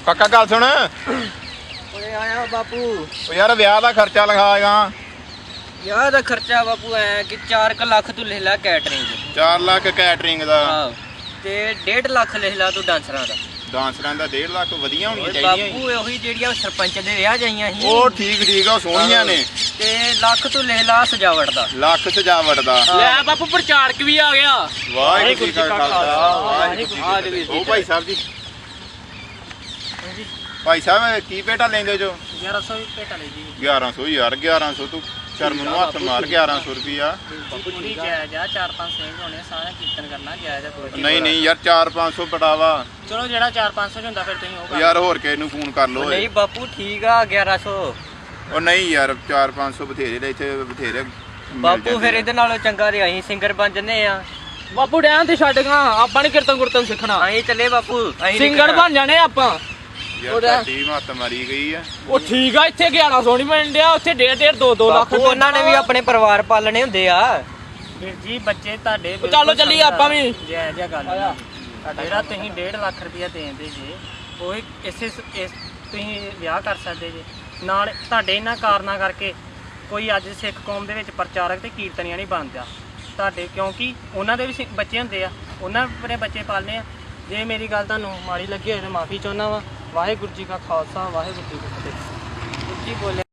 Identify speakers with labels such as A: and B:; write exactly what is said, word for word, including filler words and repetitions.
A: ਕਾਕਾ ਗੱਲ ਸੁਣ
B: ਓਏ ਆਇਆ ਬਾਪੂ।
A: ਉਹ ਯਾਰ ਵਿਆਹ ਦਾ ਖਰਚਾ ਲਗਾਏਗਾ।
B: ਵਿਆਹ ਦਾ ਖਰਚਾ ਬਾਪੂ ਐ ਕਿ ਚਾਰ ਕੁ ਲੱਖ ਤੂੰ ਲਿਖ ਲੈ ਕੈਟਰਿੰਗ ਦੇ।
A: ਚਾਰ ਲੱਖ ਕੈਟਰਿੰਗ ਦਾ
B: ਆਹੋ ਤੇ ਡੇਢ ਲੱਖ ਲਿਖ ਲੈ ਤੂੰ ਡਾਂਸਰਾਂ ਦਾ।
A: ਡਾਂਸਰਾਂ ਦਾ ਡੇਢ ਲੱਖ ਵਧੀਆ ਹੋਣੀਆਂ
B: ਓਏ
A: ਚਾਹੀਦੀਆਂ
B: ਬਾਪੂ ਉਹੀ ਜਿਹੜੀਆਂ ਸਰਪੰਚ ਦੇ ਵਿਆਹ ਜਾਈਆਂ ਸੀ
A: ਉਹ ਠੀਕ ਠੀਕ ਆ, ਉਹ ਸੋਹਣੀਆਂ ਨੇ।
B: ਤੇ ਲੱਖ ਤੂੰ ਲਿਖ ਲਾ ਸਜਾਵਟ ਦਾ।
A: ਲੱਖ ਸਜਾਵਟ ਦਾ।
C: ਲੈ ਬਾਪੂ ਪ੍ਰਚਾਰਕ ਵੀ ਆ ਗਿਆ।
A: ਵਾਹਿਗੁਰੂ ਜੀ ਕਾ ਖਾਲਸਾ ਵਾਹਿਗੁਰੂ
B: ਵਾਹਿਗੁਰੂ
A: ਜੀ
B: ਜੀ
A: ਕੀ ਫਤਿਹ। ਉਹ ਭਾਈ ਸਾਹਿਬ ਜੀ ਭਾਈ ਸਾਹਿਬ ਕੀ ਪੇਟਾ ਲੈਂਦੇ ਜੋ?
B: ਗਿਆਰਾਂ ਸੌ ਪੇਟਾ ਲੈ ਜੀ।
A: ਗਿਆਰਾਂ ਸੌ ਯਾਰ ਗਿਆਰਾਂ ਸੌ ਤੂੰ ਸ਼ਰਮ ਨੂੰ ਹੱਥ ਮਾਰ। ਗਿਆਰਾਂ ਸੌ ਰੁਪਈਆ
B: ਪੂਰੀ ਜਾਇਜ਼ ਆ। ਚਾਰ ਪੰਜ ਸਿੰਘ ਹੋਣੇ ਸਾਰਾ ਕੀਰਤਨ ਕਰਨਾ ਜਾਇਜ਼ ਆ ਕੋਈ।
A: ਨਹੀਂ ਨਹੀਂ ਯਾਰ ਚਾਰ ਪੰਜ ਸੌ ਬੜਾ ਵਾ
B: ਚਲੋ ਜਿਹੜਾ ਚਾਰ ਪੰਜ ਸੌ ਹੁੰਦਾ ਫਿਰ ਤੁਸੀਂ ਉਹ ਕਰ
A: ਯਾਰ। ਹੋਰ ਕਿਸੇ ਨੂੰ ਫੋਨ ਕਰ ਲਓ।
B: ਨਹੀਂ ਬਾਪੂ ਠੀਕ ਆ ਗਿਆਰਾਂ ਸੌ।
A: ਉਹ ਨਹੀਂ ਯਾਰ ਚਾਰ ਪੰਜ ਸੌ ਬਥੇਰੇ ਨੇ ਇੱਥੇ ਬਥੇਰੇ ਮਿਲ
B: ਬਾਪੂ
A: ਜਾਂਦੇ
B: ਫਿਰ
A: ਆ।
B: ਇਹਦੇ ਨਾਲੋਂ ਚੰਗਾ ਤੇ ਅਸੀਂ ਸਿੰਗਰ ਬਣ ਜੰਨੇ ਆ।
C: ਬਾਪੂ ਡੈਮ ਤੇ ਛੱਡ ਗਾ, ਆਪਾਂ ਨੇ ਕੀਰਤਨ ਗੁਰਤਨ ਸਿੱਖਣਾ।
B: ਅਸੀਂ ਚੱਲੇ ਬਾਪੂ। ਅਸੀਂ
C: ਸਿੰਗਰ ਬਣ ਜਾਣੇ ਆਪਾਂ।
A: ਯਾਰ ਸਾਡੀ ਮੱਤ ਮਾਰੀ ਗਈ ਆ।
C: ਉਹ ਠੀਕ ਆ, ਇੱਥੇ ਗਿਆਰਾਂ ਸੌ ਨਹੀਂ ਮਿਲਣ ਡਿਆ, ਉੱਥੇ ਡੇਢ ਡੇਢ ਦੋ ਦੋ ਲੱਖ
B: ਬਾਪੂ ਉਹਨਾਂ ਨੇ ਵੀ ਆਪਣੇ ਪਰਿਵਾਰ ਪਾਲਣੇ ਹੁੰਦੇ ਆ।
D: ਵੀਰ ਜੀ ਬੱਚੇ ਤੁਹਾਡੇ
C: ਉਹ ਚੱਲੋ ਚੱਲੀਏ ਆਪਾਂ ਵੀ।
D: ਜੈ ਜੈ ਗੱਲ ਆ। ਜਿਹੜਾ ਤੁਸੀਂ ਡੇਢ ਲੱਖ ਰੁਪਇਆ ਦੇਂਦੇ ਜੇ ਉਹ ਇਸੇ ਇਸ ਤੁਸੀਂ ਵਿਆਹ ਕਰ ਸਕਦੇ ਜੇ। ਨਾਲ ਤੁਹਾਡੇ ਇਹਨਾਂ ਕਾਰਨਾਂ ਕਰਕੇ ਕੋਈ ਅੱਜ ਸਿੱਖ ਕੌਮ ਦੇ ਵਿੱਚ ਪ੍ਰਚਾਰਕ ਤੇ ਕੀਰਤਨੀਆਂ ਨਹੀਂ ਬਣਦਾ ਤੁਹਾਡੇ, ਕਿਉਂਕਿ ਉਹਨਾਂ ਦੇ ਵੀ ਸਿ- ਬੱਚੇ ਹੁੰਦੇ ਆ, ਉਹਨਾਂ ਆਪਣੇ ਬੱਚੇ ਪਾਲਨੇ ਆ। ਜੇ ਮੇਰੀ ਗੱਲ ਤੁਹਾਨੂੰ ਮਾੜੀ ਲੱਗੀ ਹੋਵੇ ਤਾਂ ਮਾਫੀ ਚਾਹੁੰਦਾ ਵਾ। ਵਾਹਿਗੁਰੂ ਜੀ ਕਾ ਖਾਲਸਾ ਵਾਹਿਗੁਰੂ ਜੀ ਕੀ ਫਤਿਹ। ਉੱਚੀ ਬੋਲੇ।